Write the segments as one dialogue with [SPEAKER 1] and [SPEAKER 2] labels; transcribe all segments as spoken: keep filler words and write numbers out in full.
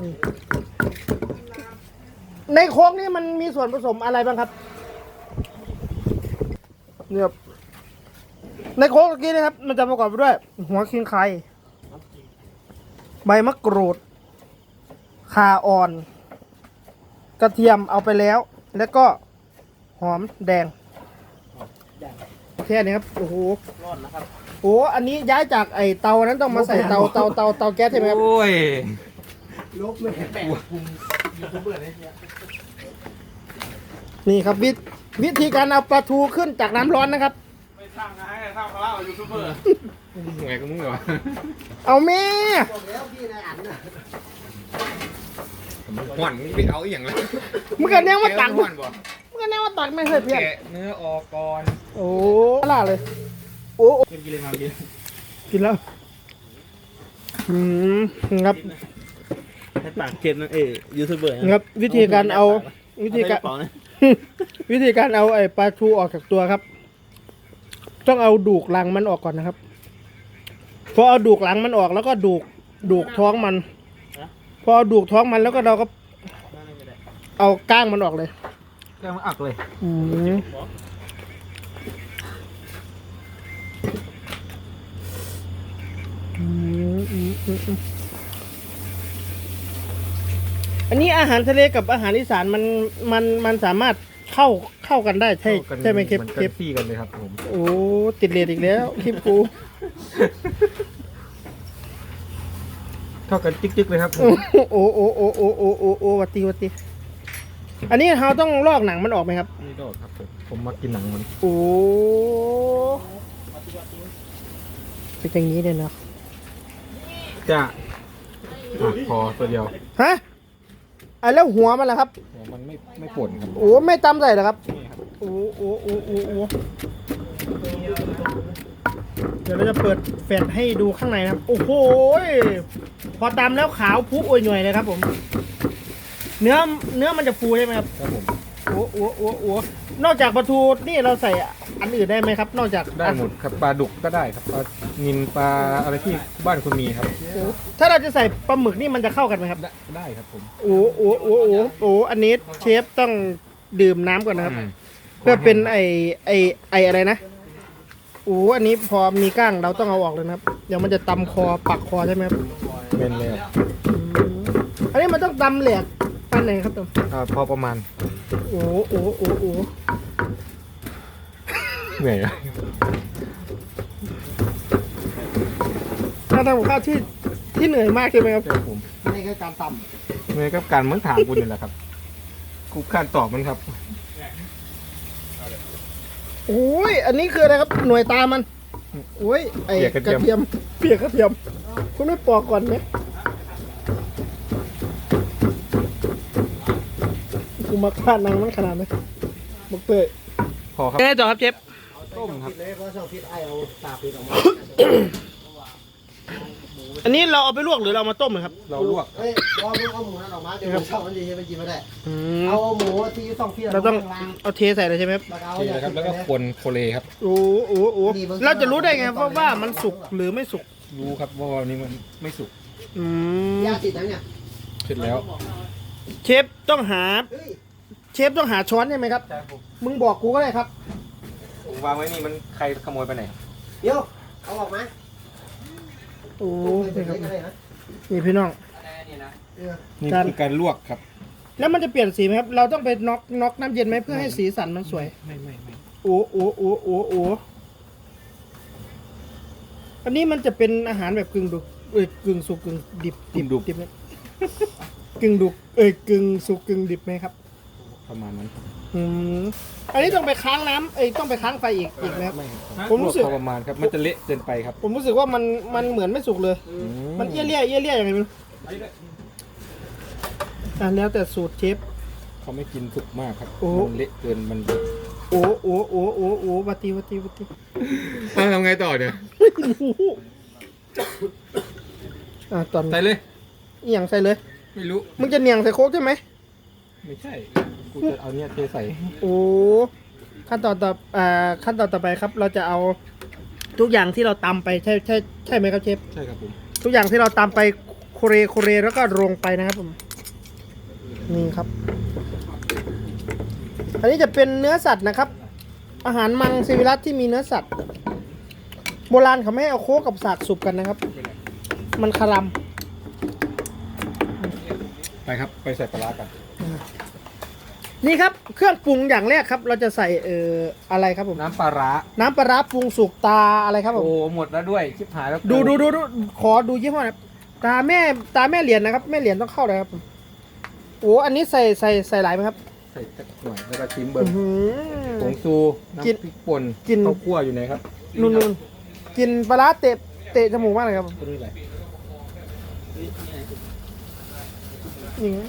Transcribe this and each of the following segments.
[SPEAKER 1] ในโค้กนี่มันมีส่วนผสมอะไรบ้างครับเนี่ยในโค้กเมื่อกี้นะครับมันจะประกอบไปด้วยหัวขิงไข่ใบมะกรูดข่าอ่อนกระเทียมเอาไปแล้วแล้วก็หอมแดงแค่นี้ครับโอ้โหร้อนนะครับโอ้อันนี้ย้ายจากไอเตานั้นต้องมาใส่เตาเตาเตาเตาแก๊สใช่ไหมครับ
[SPEAKER 2] โอ้ย
[SPEAKER 1] ลบไม่แปลกนี่ครับวิวิธีการเอาปลาทูขึ้นจากน้ำร้อนนะครับ
[SPEAKER 2] ไม่ทำนะให้ทำเขาเล่ายูทูบเบอร์ไงก็มึงเหรอ
[SPEAKER 1] เอาแม่
[SPEAKER 2] หวานมึงไปเอาอย่างไร
[SPEAKER 1] มึงกันแนวว่าตักมึงกันแนวว่าตักไม่เคยเพี้ยน
[SPEAKER 2] เนื้อออกก่อน
[SPEAKER 1] โอ้ล่าเลยโอ้
[SPEAKER 2] กินเลยมากิน
[SPEAKER 1] กินแล้วอืมครับ
[SPEAKER 2] ให้ปากเค็มนั่นเองยูทูบเบอร์
[SPEAKER 1] ครับวิธีการเอาวิธีการวิธีการเอาไอ้ปลาทูออกจากตัวครับต้องเอาดูกหลังมันออกก่อนนะครับพอเอาดูกหลังมันออกแล้วก็ดูกดูกท้องมันพอเอาดูกท้องมันแล้วก็เราก็เอาก้างมันออกเลย
[SPEAKER 2] ก้างมันอักเลย
[SPEAKER 1] อืมอันนี้อาหารทะเลกับอาหารอีสานมันมันมันสามารถเข้าเข้ากันได้ใช่ใช่ไหมเคป
[SPEAKER 2] เคปซี่กันเลยครับผม
[SPEAKER 1] โอ้ติดเลดอีกแล้วคลิปกู
[SPEAKER 2] เข้ากันจิ๊กๆเลยครับ
[SPEAKER 1] โอ้โอ้โอ้โอ้โอ้โอ้โอ้วัตติวัตติอันนี้เราต้องลอกหนังมันออกไหมครับ
[SPEAKER 2] ไม่ลอกครับผมผมมากินหนังมัน
[SPEAKER 1] โอ้เป็นอย่างนี้เลยเนาะ
[SPEAKER 2] จะพอตัวเดียว
[SPEAKER 1] ฮะอ่ะแล้วหัวมันล่ะครับ
[SPEAKER 2] หัวมันไม่ไม่ป่นครับ
[SPEAKER 1] โอ้ไม่ตำใส่เหรอครับโอ้โอ้โอ้โอ้โอ้เดี๋ยวเราจะเปิดแฟลชให้ดูข้างในนะครับโอ้โหพอตำแล้วขาวพุโอยหน่วยเลยครับผมเนื้อเนื้อมันจะฟูใช่ไหมครับ
[SPEAKER 2] ครับผม
[SPEAKER 1] โอ้โอ้โอ้โอ้นอกจากปลาทูนี่เราใส่อันอื่นได้ไหมครับนอกจาก
[SPEAKER 2] ได้หมดครับปลาดุกก็ได้ครับปลานิลปลาอะไรที่บ้านคุณมีครับ
[SPEAKER 1] ถ้าเราจะใส่ปลาหมึกนี่มันจะเข้ากันไหมครับ
[SPEAKER 2] ได้ครับผม
[SPEAKER 1] โอ้โอ้โอ้โอ้โอ้อันนี้เชฟต้องดื่มน้ำก่อนนะครับเพื่อเป็นไอไอไออะไรนะโอ้อันนี้พอมีก้างเราต้องเอาออกเลยนะครับเดี๋ยวมันจะตำคอปักคอใช่ไหมครับ
[SPEAKER 2] เป็นเลย
[SPEAKER 1] อันนี้มันต้องตำแหลกปันไหนครับตัว
[SPEAKER 2] อ่าพอประมาณ
[SPEAKER 1] โอ้โอ้โอ้โอ้
[SPEAKER 2] เหนื่อย
[SPEAKER 1] การทำกับข้าวที่ที่เหนื่อยมากใช่ไหมครับ
[SPEAKER 2] ผม
[SPEAKER 1] ไม่ใช่การต
[SPEAKER 2] ำเหนื่อยกับการเหมือนถามคุณนี่แหละครับกูการตอบมันครับ
[SPEAKER 1] โอ้ยอันนี้คืออะไรครับหน่วยตามันโอ้ยไอ้กระเทียมเปียกกระเทียมคุณไม่ปอกก่อนไหมกูมาฆ่านางมันขนาดไหนบอกเตย
[SPEAKER 2] พอครับ
[SPEAKER 1] เอ๊ะต่อครับเจฟ
[SPEAKER 2] ต้มครับ
[SPEAKER 1] อันนี้เราเอาไปลวกหรือเรามาต้มเลยครับ
[SPEAKER 2] เราลวก
[SPEAKER 3] เฮ้ยเอาเอาหมูนั่นออกมาเดี๋ยวช่องมันดีมันกินไม่ได้เอาหมูที่ต้องที่
[SPEAKER 1] เราต้องเอาเทใส่เลยใช่ไหมครับ
[SPEAKER 2] เทเลยครับแล้วก็คนโคเลครับ
[SPEAKER 1] โอ้โหโอ้เราจะรู้ได้ไงว่าว่ามันสุกหรือไม่สุก
[SPEAKER 2] รู้ครับว่าวันนี้มันไม่สุก
[SPEAKER 1] อืม
[SPEAKER 3] ยาติดแล้วเนี่ย
[SPEAKER 2] เสร็จแล้ว
[SPEAKER 1] เชฟต้องหาเชฟต้องหาช้อนใช่ไหมครับมึงบอกกูก็ได้ครับ
[SPEAKER 2] วางไว้นี่มันใครขโมยไปไหน
[SPEAKER 3] เดี๋ยวเอาออกมา
[SPEAKER 1] โอ้นี่ครับนี่พี่น้อง
[SPEAKER 2] นี่คือการลวกครับ
[SPEAKER 1] แล้วมันจะเปลี่ยนสีไหมครับเราต้องไปน็อกน็อกน้ำเย็นไหมเพื่อให้สีสันมันสวย
[SPEAKER 2] ไม่ไม่ไม่
[SPEAKER 1] โอ้โอ้โอ้โอ้โอ้อันนี้มันจะเป็นอาหารแบบกึ่งดุเอ้ยกึ่งสุกกึ่งดิบดิบดิบไหมกึ่งดุเอ้ยกึ่งสุกกึ่งดิบไหมครับ
[SPEAKER 2] ประมาณนั้น
[SPEAKER 1] อืมอันนี้ต้องไปค้างน้ำเอ้ยต้องไปค้างไฟอีกอีกไหมครับผมรู้สึก
[SPEAKER 2] ประมาณครับมันจะเละเกินไปครับ
[SPEAKER 1] ผมรู้สึกว่ามันมันเหมือนไม่สุกเลยมันเอี้ยเลี่ยเอี้ยเลี่ยอย่างไรมันอ่ะแล้วแต่สูตรเชฟ
[SPEAKER 2] เขาไม่กินสุกมากครับมันเละเกินมัน
[SPEAKER 1] โอ้โอ้โอ้โอ้โอ้วัตติวัตติวัตติ
[SPEAKER 2] ทำไงต่อเนี่ย
[SPEAKER 1] อ่ะตอน
[SPEAKER 2] ใส่เลย
[SPEAKER 1] เอียงใส่เลย
[SPEAKER 2] ไม่รู้
[SPEAKER 1] มึงจะเนียงใส่โค้กใช่ไหม
[SPEAKER 2] ไม่ใช่กูจะเอาเนี่ยเทใส่
[SPEAKER 1] โอ้ขั้นตอนต่ออ่าขั้นตอนต่อไปครับเราจะเอาทุกอย่างที่เราตำไปใช่ใช่ใช่ไหมครับเชฟ
[SPEAKER 2] ใช่ครับผม
[SPEAKER 1] ทุกอย่างที่เราตำไปคเรโคเรแล้วก็ลงไปนะครับผมนี่ครับ อันนี้จะเป็นเนื้อสัตว์นะครับ อาหารมังสวิรัติที่มีเนื้อสัตว์โบราณเขาไม่ให้เอาโคกับสากสุกกันนะครับ มันคารำ
[SPEAKER 2] ไปครับไปใส่ปลาร้ากัน
[SPEAKER 1] นี่ครับเครื่องปรุงอย่างแรกครับ เราจะใส่เอ่ออะไรครับผม
[SPEAKER 2] น้ำปลาร้า
[SPEAKER 1] น้ำปลาร้าปรุงสุกตาอะไรครับผม
[SPEAKER 2] โอ้หมดแล้วด้วยชิบหายแล้ว
[SPEAKER 1] ดูดูดูดูขอดูยี่ห้อนะครับตาแม่ตาแม่เหรียญนะครับแม่เหรียญต้องเข้าเลยครับผมโอ้อันนี้ใส่ใส่ใส่หลายไหมครับ
[SPEAKER 2] ใส่สักหน่อยแล้วก็ชิมเบิ้ง
[SPEAKER 1] อื้อหือ
[SPEAKER 2] ผงซูน้ำ
[SPEAKER 1] กิน
[SPEAKER 2] พริกป่น
[SPEAKER 1] กิน
[SPEAKER 2] ข้าวคั่วอยู่ไหนครับ
[SPEAKER 1] นุ่นๆกินปลาร้าเตะเตะจมูกมากเลยครับ
[SPEAKER 2] ตัวนี้อะไร
[SPEAKER 1] นี่ไง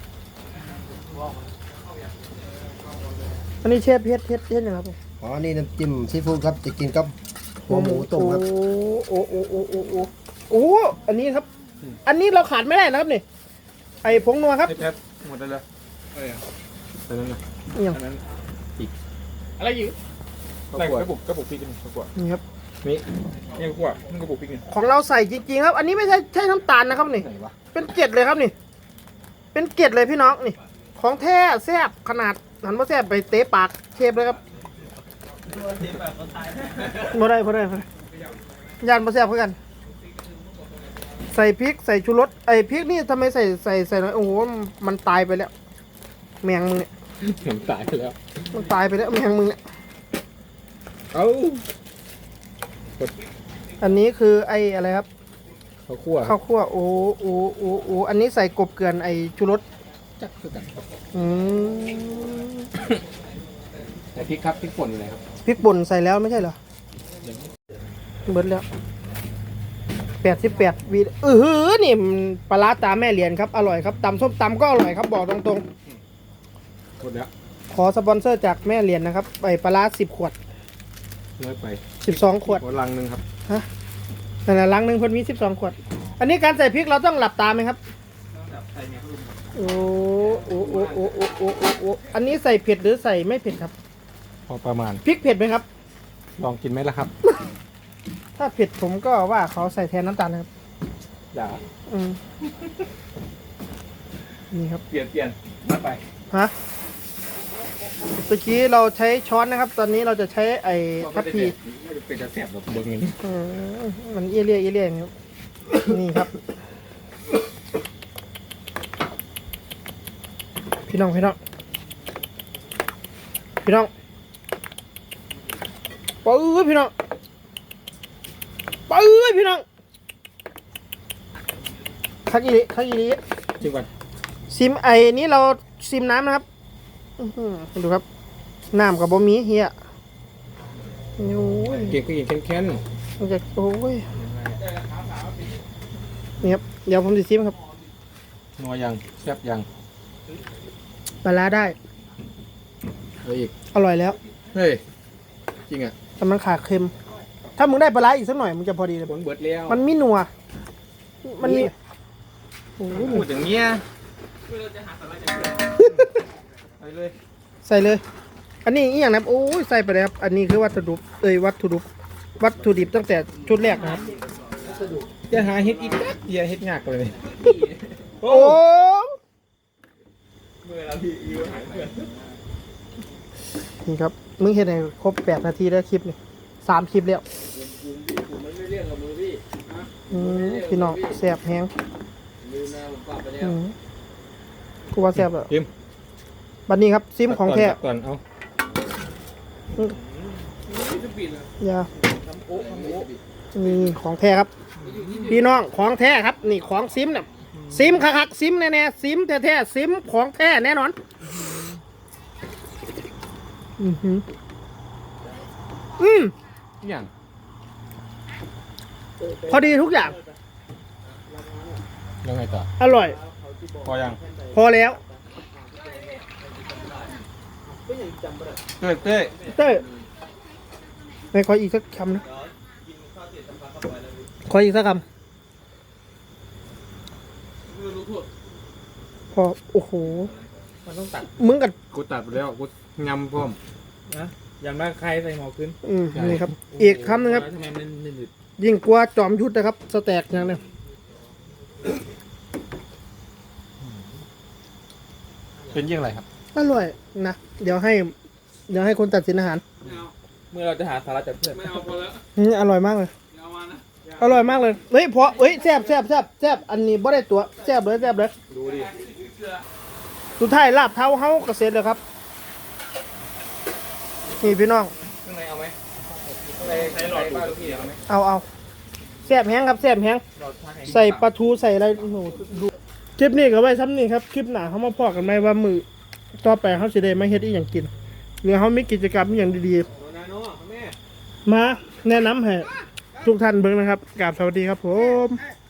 [SPEAKER 1] อันนี้เชฟเพชรเพชรเพชรนะครับผม
[SPEAKER 3] อ๋อนี่น้ำจิ้มซีฟู้ดครับจะกินกับหัวหมูต้มครับ
[SPEAKER 1] โอ้โอ้โอ้โอ้โอ้โอ้โอ้อันนี้ครับ อันนี้เราขาดไม่ได้นะครับนี่ไอ้ผงนัวครับ
[SPEAKER 2] ไอ้แป๊บหมดแล้วเลยอะไรอ่ะตอนนั้นนะ
[SPEAKER 1] นี่ครับ
[SPEAKER 2] อันนั้นอีก
[SPEAKER 4] อะไรอยู่
[SPEAKER 2] ข้าว
[SPEAKER 4] อะไร
[SPEAKER 2] คั่ว
[SPEAKER 4] กระปุกกระปุกพริกนี่กระปุก
[SPEAKER 1] นี่ครับ
[SPEAKER 2] นี่
[SPEAKER 4] นี่กระปุกนี่กระปุกพริกนี่
[SPEAKER 1] ของเราใส่จริงๆครับ อันนี้ไม่ใช่ใช่น้ำตาลนะครับนี่
[SPEAKER 2] ไหนวะ
[SPEAKER 1] เป็นเกล็ดเลยครับนี่ เป็นเกล็ดเลยพี่น้องนี่ ของแท้แซ่บขนาดหันมาแซ่บไปเตะปากเชฟเลยครับบ่ได้บ่ได้บ่ได้ยานมาแซ่บเพื่อกัน ใส่พริกใส่ชูรสไอ้พริกนี่ทำไมใส่ใส่ใส่น้อยโอ้โหมันตายไปแล้ว แมงมึงเนี่ย
[SPEAKER 2] เห็นตายไปแล้ว
[SPEAKER 1] มันตายไปแล้วแมงมึงเนี่ย
[SPEAKER 2] เอ้า
[SPEAKER 1] อันนี้คือไอ้อะไรครับ
[SPEAKER 2] ข้าวคั่ว
[SPEAKER 1] ข้าวคั่วโอ้โอ้โอ้โอ้อันนี้ใส่กบเกลือนไอ้ชูรส
[SPEAKER 2] จักคือกัน
[SPEAKER 1] อืม
[SPEAKER 2] แต่พริกครับพริกป่นอยู่ไหนครับ
[SPEAKER 1] พริกป่นใส่แล้วไม่ใช่เหรอเบิดแล้วแปดสิบแปดวีเออหือนี่มันปลาร้าตาแม่เหรียญครับอร่อยครับตำส้มตำก็อร่อยครับบอกตรง
[SPEAKER 2] หมดแล้ว
[SPEAKER 1] ๆ ขอสปอนเซอร์จากแม่เหรียญนะครับไอ้ปลาร้าสิบขวด
[SPEAKER 2] น้อยไป
[SPEAKER 1] สิบสองขวด
[SPEAKER 2] หัวลังหนึ่งครับ
[SPEAKER 1] นั่นแหละลังหนึ่งเพิ่นมีสิบสองขวด อันนี้การใส่พริกเราต้องหลับตาไหมครับโอ้โอ้โอ้โอ้โอ้โอ้โอ้โอ้อันนี้ใส่เผ็ดหรือใส่ไม่เผ็ดครับ
[SPEAKER 2] พอประมาณ
[SPEAKER 1] พริกเผ็ดไหมครับ
[SPEAKER 2] ลองกินไหมล่ะครับ
[SPEAKER 1] ถ้าเผ็ดผมก็ว่าเขาใส่แทนน้ำตาลนะครับ
[SPEAKER 2] อย่า
[SPEAKER 1] อืมนี่ครับ
[SPEAKER 4] เปลี่ยนเปลี่ยนมาไป
[SPEAKER 1] ฮะเมื่อกี้เราใช้ช้อนนะครับ ตอนนี้เราจะใช้ไอ้ทัพพี
[SPEAKER 2] ไม่ได้เป็นจะแสบหรอกเบิ้งอย่างนี้
[SPEAKER 1] อืมมันเอี้ยเลี่ยเอี้ยเลี่ยอย่างนี้ครับ นี่ครับ พี่น้องพี่น้องพี่น้องปื้อพี่น้องปื้อพี่น้องคักอีหลีคักอีหลี
[SPEAKER 2] จริงก่อน
[SPEAKER 1] ซิมไอ้นี้เราซิมน้ำนะครับอื้อหือดูครับน้ำกับบะหมี่เฮียโอ้ย
[SPEAKER 2] เก็บก็ยิงแค้น
[SPEAKER 1] มันจะโอ้ยนี่ครับเดี๋ยวผมจะซิมครับ
[SPEAKER 2] ๆนัวยังแซ่บยัง
[SPEAKER 1] ปลาร้าได้
[SPEAKER 2] เอาอีก
[SPEAKER 1] อร่อยแล้ว
[SPEAKER 2] เฮ้ยจริงอ่ะ
[SPEAKER 1] แต่มันขาดเค็ม ถ้ามึงได้ปลาร้าอีกสักหน่อยมันจะพอดีเลย
[SPEAKER 2] ผลเบิดแล้ว
[SPEAKER 1] มันมีนัวมันมีโอ้ย
[SPEAKER 2] พูดอย่างเงี้ยไปเลย
[SPEAKER 1] ใส่เลย อันนี้อีกอย่างนะครับโอ้ยใส่ไปเลยครับอันนี้คือวัตถุดิบเอ้ยวัตถุดิบวัตถุดิบตั้งแต่ชุดแรกนะครับ
[SPEAKER 2] จะหาเฮ็ดอีกจักเดียวเฮ็ดยากเลย
[SPEAKER 1] โอ้
[SPEAKER 4] เมื่อเราพี่ยูหายเพื่อน
[SPEAKER 1] นี่ครับมึงเห็นไหนครบแปดนาทีแล้วคลิปนี่สามคลิปแล้ว
[SPEAKER 4] ผมไม่ได้เรียกกับมือพี่
[SPEAKER 1] อืมพี่น้องแซ่บแฮง
[SPEAKER 4] ลืมนะผมกลับไปแล้
[SPEAKER 1] อื
[SPEAKER 4] ว
[SPEAKER 1] มกูว่าแซ่บแล้ว
[SPEAKER 2] พิม
[SPEAKER 1] บัดนี้ครับซิมของแท้
[SPEAKER 2] ตัดก่อนเอา
[SPEAKER 4] นี่จะปิดเลย
[SPEAKER 1] อย่า
[SPEAKER 4] ทำโอ๊ะทำโอ๊ะ
[SPEAKER 1] นี่ของแท้ครับ พี่น้องของแท้ครับ นี่ของซิมเนี่ยซิมคักๆซิมแน่ๆซิมแท้ๆซิมของแท้แน่นอนอือหืออืม
[SPEAKER 2] อย่าง
[SPEAKER 1] พอดีทุกอย่าง
[SPEAKER 2] ยังไงต่อ
[SPEAKER 1] อร่อย
[SPEAKER 2] พอยัง
[SPEAKER 1] พอแล้ว
[SPEAKER 2] เต้ยเต้ย
[SPEAKER 1] เต้ยไม่ขออีกสักคำนะขออีกสักคำพอโอ้โห
[SPEAKER 4] มันต้องตัด
[SPEAKER 1] มึงกับ
[SPEAKER 2] กูตัดไปแล้วกูยำพร้อม
[SPEAKER 4] นะอย่างนั้นใครใส่หมอขึ้น
[SPEAKER 1] อืมนี่ครับ อีกคำหนึงครับ
[SPEAKER 4] ทำไมมันหนึบ
[SPEAKER 1] ยิ่งกว่าจอมยุทธนะครับ สแต็กอย่างเนี้ย
[SPEAKER 2] เป็นยี่อะไรครับ
[SPEAKER 1] อร่อยนะ เดี๋ยวให้ เดี๋ยวให้คนตัดสินอาหาร
[SPEAKER 4] ไม่เอาเมื่อเราจะหาสาระจากเพื่อนไม่เอาพอแล้ว
[SPEAKER 1] อืมอร่อยมากเลย
[SPEAKER 4] เอามานะ
[SPEAKER 1] อร่อยมากเลย เฮ้ยเพราะเฮ้ยแซ่บแซ่บแซ่บแซ่บอันนี้บ่ได้ตัวแซ่บเลยแซ่บเลย
[SPEAKER 4] ดูดิ
[SPEAKER 1] สุดท้ายลาบเท้าเฮาเกษตรเลยครับ นี่พี่น้อง
[SPEAKER 4] ข้างในเอาไหมข้างในใส่หลอดบ้านลูกพี่เอาไหม
[SPEAKER 1] เอาเอาแซ่บแห้งครับแซ่บแห้ง
[SPEAKER 4] หลอดทางไหน
[SPEAKER 1] ใส่ปลาทูใส่อะไรโอ้โหดูคลิปนี้ก็ไว้ซ้ำนี่ครับ คลิปหน้าเขามาพอกันไหมว่ามือต่อไปเขาสิได้มาเฮ็ดอีหยังกิน หรือเขามีกิจกรรมอหย่างดี
[SPEAKER 4] โดนาโน่แม่
[SPEAKER 1] ๆ มาแนะนำให้ทุกท่านเบิ่งนะครับกราบสวัสดีครับผม
[SPEAKER 4] เ